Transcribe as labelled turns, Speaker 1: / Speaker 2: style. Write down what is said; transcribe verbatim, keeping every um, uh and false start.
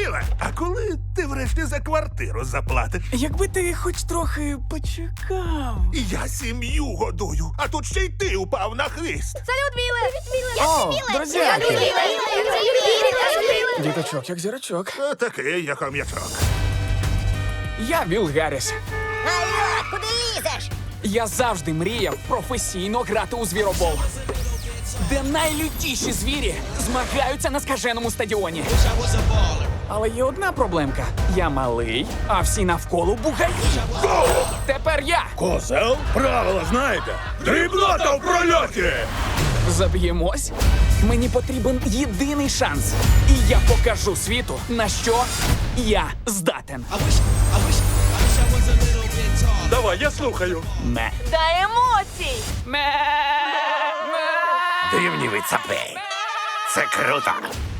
Speaker 1: Біле, а коли ти врешті за квартиру заплатиш?
Speaker 2: Якби ти хоч трохи почекав.
Speaker 1: Я сім'ю годую, а тут ще й ти упав на хвіст.
Speaker 3: Салют, Біле! Біле!
Speaker 2: О, друзяки!
Speaker 3: Біле!
Speaker 2: Діточок, як зірочок.
Speaker 1: А такий, як хом'ячок.
Speaker 2: Я Віл Гарріс.
Speaker 3: Алло, куди лізеш?
Speaker 2: Я завжди мріяв професійно грати у звіробол, де найлютіші звірі змагаються на скаженому стадіоні. Але є одна проблемка. Я малий, а всі навколо бугаї. Тепер я.
Speaker 1: Козел? Правила знаєте? Дрібнота в прольоті!
Speaker 2: Заб'ємось. Мені потрібен єдиний шанс. І я покажу світу, на що я здатен.
Speaker 1: Давай, я слухаю.
Speaker 2: Ме.
Speaker 3: Та емоцій!
Speaker 2: Ме.
Speaker 1: Дивні ви цапи. Це круто.